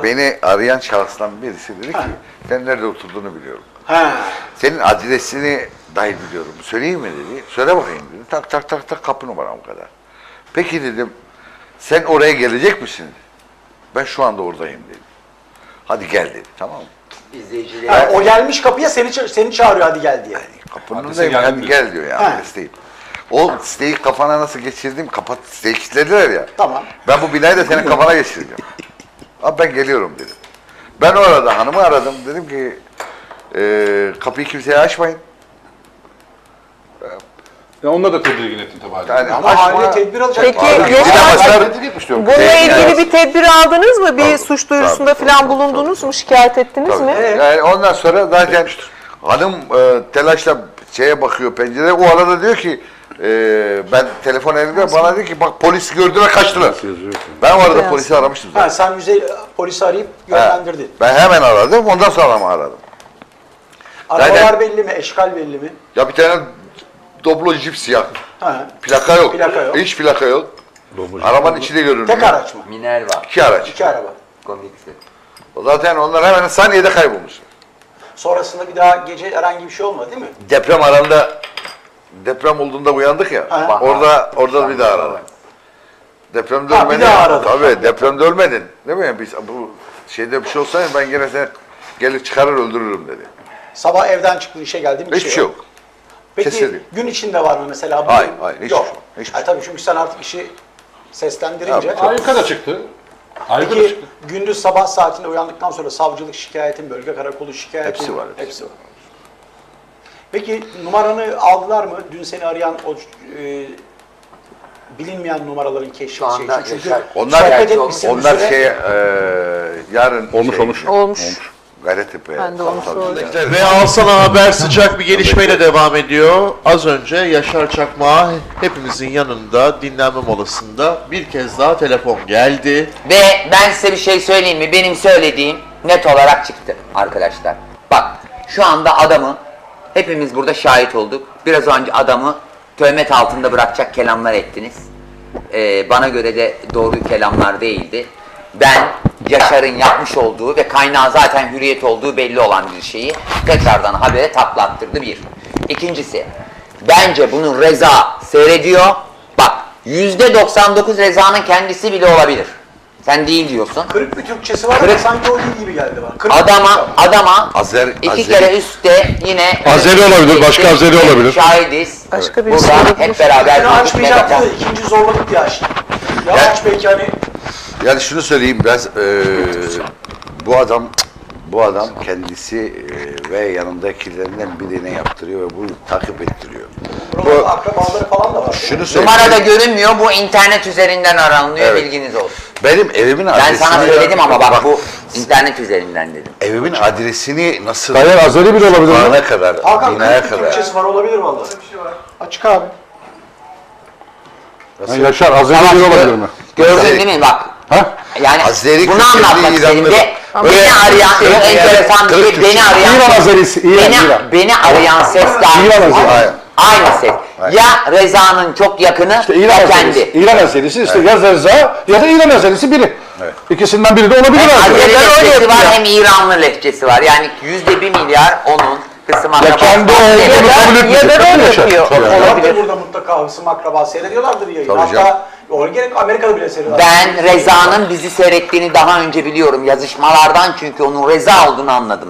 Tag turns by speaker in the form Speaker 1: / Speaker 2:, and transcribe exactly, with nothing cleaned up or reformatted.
Speaker 1: beni arayan şahıstan birisi dedi ki,
Speaker 2: Ha.
Speaker 1: sen nerede oturduğunu biliyorum.
Speaker 2: Ha.
Speaker 1: Senin adresini dahi biliyorum. Söyleyeyim mi dedi. Söyle bakayım dedi. Tak tak tak tak kapı numaram o kadar. Peki dedim, sen oraya gelecek misin? Ben şu anda oradayım dedim. Hadi gel dedi. Tamam mı?
Speaker 3: İzleyiciler.
Speaker 2: Ha, o gelmiş kapıya seni ça- seni çağırıyor hadi gel diye.
Speaker 1: Kapının
Speaker 4: Adrese
Speaker 1: önündeyim.
Speaker 4: geldim
Speaker 1: Hadi
Speaker 4: diyor.
Speaker 1: gel diyor ya.
Speaker 2: Ha.
Speaker 1: Adresteyim. O siteyi kafana nasıl geçirdim? Kapat, siteyi kilitlediler ya.
Speaker 2: Tamam.
Speaker 1: Ben bu binayı da senin kafana geçireceğim. Abi ben geliyorum dedim. Ben o arada hanımı aradım. Dedim ki e, kapıyı kimseye açmayın.
Speaker 4: Ya onunla da tedirgin ettin tabii. haliyle.
Speaker 1: Yani
Speaker 2: Ama
Speaker 1: açma.
Speaker 2: aile tedbir alacak.
Speaker 5: Peki,
Speaker 1: Abi,
Speaker 5: Yaşar-
Speaker 1: yine basar.
Speaker 4: Tedirgin etmiş diyorum.
Speaker 5: Bununla
Speaker 1: Şey,
Speaker 5: ilgili
Speaker 1: evet.
Speaker 5: bir tedbir aldınız mı? Bir
Speaker 1: Tabii,
Speaker 5: suç duyurusunda
Speaker 1: tabii,
Speaker 5: falan
Speaker 1: tabii,
Speaker 5: bulundunuz mu? Şikayet ettiniz
Speaker 1: Tabii.
Speaker 5: mi?
Speaker 2: Evet.
Speaker 1: Yani ondan sonra zaten hanım e, telaşla şeye bakıyor pencereye. O arada diyor ki e, ben telefon elimde bana diyor ki bak polis gördüler kaçtılar. Ben o arada
Speaker 5: Beyaz.
Speaker 1: polisi aramıştım zaten.
Speaker 2: Ha, sen yüzey polisi arayıp yönlendirdin.
Speaker 1: Ben hemen aradım ondan sonra mı aradım?
Speaker 2: Arabalar
Speaker 1: Zaten-
Speaker 2: belli mi? Eşkal belli mi?
Speaker 1: Ya bir tane Doblo jip siyah.
Speaker 2: Ha.
Speaker 1: Plaka yok.
Speaker 2: Plaka yok.
Speaker 1: Hiç plaka yok. Arabanın içi de görünüyor.
Speaker 2: Tek araç mı?
Speaker 3: Minerva.
Speaker 1: İki araç.
Speaker 2: İki araba.
Speaker 3: Komiksi.
Speaker 1: O zaten onlar hemen saniyede kaybolmuş.
Speaker 2: Sonrasında bir daha gece herhangi bir şey olmadı değil mi?
Speaker 1: Deprem aranda deprem olduğunda uyandık ya.
Speaker 2: Ha.
Speaker 1: Orada orada bir daha aradım. Depremde
Speaker 2: Ha, bir
Speaker 1: ölmedin.
Speaker 2: daha aradın.
Speaker 1: Tabii depremde ölmedin. Değil mi? Biz bu şeyde bir şey olsaydı ben yine seni gelir çıkarır öldürürüm dedi.
Speaker 2: Sabah evden çıktın işe geldin bir
Speaker 1: Hiçbir şey yok.
Speaker 2: Peki
Speaker 1: Kesinlikle.
Speaker 2: gün içinde var mı mesela? Bu-
Speaker 1: Hayır, hayır, hiçbir
Speaker 2: yok.
Speaker 1: şey yok, hiçbir
Speaker 2: Ha,
Speaker 1: şey
Speaker 2: tabii çünkü sen artık işi seslendirince.
Speaker 1: Tabii,
Speaker 4: Ayyuka da çıktı. Ayyuka da
Speaker 2: Peki
Speaker 4: çıktı.
Speaker 2: gündüz sabah saatinde uyandıktan sonra savcılık şikayetin, bölge karakolu şikayetin.
Speaker 1: Hepsi var.
Speaker 2: Hepsi var. Peki numaranı aldılar mı? Dün seni arayan o e, bilinmeyen numaraların keşfi
Speaker 3: Şu anda
Speaker 2: şey için. Çünkü
Speaker 3: Yaşar-
Speaker 1: Onlar,
Speaker 2: sohbet etmişsin bir
Speaker 1: onlar
Speaker 2: süre.
Speaker 1: şey e, yarın
Speaker 4: Olmuş,
Speaker 1: şey,
Speaker 4: olmuş.
Speaker 5: Olmuş.
Speaker 1: Gayrettepe'ye.
Speaker 5: Ben de onu sordum.
Speaker 6: Ve Alsana Haber sıcak bir gelişmeyle devam ediyor. Az önce Yaşar Çakmak'a hepimizin yanında dinlenme molasında bir kez daha telefon geldi.
Speaker 3: Ve ben size bir şey söyleyeyim mi? Benim söylediğim net olarak çıktı arkadaşlar. Bak şu anda adamı hepimiz burada şahit olduk. Biraz önce adamı töhmet altında bırakacak kelamlar ettiniz. Ee, bana göre de doğru kelamlar değildi. Ben Yaşar'ın yapmış olduğu ve kaynağı zaten Hürriyet olduğu belli olan bir şeyi tekrardan habere taklattırdı bir. İkincisi, bence bunu Reza seyrediyor. Bak yüzde doksan dokuz Reza'nın kendisi bile olabilir. Sen değil diyorsun.
Speaker 2: Kırık bir Türkçesi var ama
Speaker 3: Kırık-
Speaker 2: sanki o değil gibi geldi bana. Kırık bir
Speaker 3: Adama,
Speaker 2: Türkçe.
Speaker 3: adama
Speaker 1: Azer-
Speaker 3: iki
Speaker 1: Azeri-
Speaker 3: kere üstte yine...
Speaker 4: Azeri olabilir, başka Azeri olabilir.
Speaker 3: Şahidiz.
Speaker 5: Başka birisi
Speaker 3: Burada
Speaker 5: olabilir.
Speaker 3: hep beraber...
Speaker 2: Seni
Speaker 3: durduk,
Speaker 2: açmayacaktı da
Speaker 3: megafon.
Speaker 2: ikinci zorladık diye açtı. Ya
Speaker 1: Ya-
Speaker 2: aç belki hani
Speaker 1: Yani şunu söyleyeyim biraz e, bu adam bu adam kendisi e, ve yanındakilerinden birine yaptırıyor ve bunu takip ettiriyor.
Speaker 2: buralarda akrabaları falan da var.
Speaker 1: Şunu söyleyeyim.
Speaker 3: Numarada görünmüyor, bu internet üzerinden aranılıyor,
Speaker 1: Evet.
Speaker 3: bilginiz olsun.
Speaker 1: Benim evimin
Speaker 3: Ben
Speaker 1: adresini
Speaker 3: sana söyledim ama bak bu internet üzerinden dedim.
Speaker 1: evimin adresini nasıl
Speaker 4: Hayır, Azeri bile olabilir mi?
Speaker 1: Sokağına kadar,
Speaker 2: Hakan
Speaker 1: binaya
Speaker 2: kırık bir
Speaker 1: kadar.
Speaker 2: Türkçesi var olabilir vallahi. Bir şey var. Açık abi.
Speaker 4: Ha, Yaşar, Azeri bile olabilir mi?
Speaker 3: Gördün
Speaker 1: Azeri-
Speaker 3: değil mi bak?
Speaker 4: Ha?
Speaker 3: Yani
Speaker 1: Azeri
Speaker 3: bunu
Speaker 1: kökenli
Speaker 3: anlatmak istedim
Speaker 1: İranlı-
Speaker 3: ve
Speaker 1: Böyle
Speaker 3: beni arayan
Speaker 1: kırık
Speaker 3: çok
Speaker 1: yani,
Speaker 3: enteresan bir
Speaker 1: kırık
Speaker 3: şey, beni
Speaker 1: Türkçe.
Speaker 3: arayan
Speaker 4: İran Azerisi, İran,
Speaker 3: beni,
Speaker 4: İran.
Speaker 3: beni arayan ses de
Speaker 4: İran
Speaker 3: aynı,
Speaker 4: Azeri.
Speaker 3: aynı ses.
Speaker 1: Aynen.
Speaker 3: Ya Reza'nın çok yakını
Speaker 4: İşte
Speaker 3: ya
Speaker 4: İran
Speaker 3: kendi.
Speaker 4: Azerisi. İran Azerisi işte ya Reza ya da İran Azerisi biri.
Speaker 1: Evet.
Speaker 4: İkisinden biri de olabilir
Speaker 3: Hem
Speaker 4: abi.
Speaker 3: Azeri
Speaker 5: Ben öyle
Speaker 3: lehçesi var
Speaker 5: yapıyorum.
Speaker 3: hem İranlı lehçesi var. Yani yüzde bir milyar onun kısım
Speaker 4: Ya kendi
Speaker 3: akrabası.
Speaker 4: olduğunu
Speaker 5: Ya da-
Speaker 4: kabul
Speaker 5: ya
Speaker 4: etmeyecek.
Speaker 5: da
Speaker 4: Tabii
Speaker 5: rol
Speaker 4: Yaşar.
Speaker 5: yapıyor.
Speaker 4: Tabii.
Speaker 2: Olabilir.
Speaker 5: Olabilir.
Speaker 2: Burada mutlaka hısım akraba seyrediyorlardır yayını.
Speaker 1: Tabii canım.
Speaker 2: Hatta o gerek Amerika'da bile seyrediyorlar.
Speaker 3: Ben Reza'nın bizi seyrettiğini daha önce biliyorum yazışmalardan, çünkü onun Reza olduğunu anladım.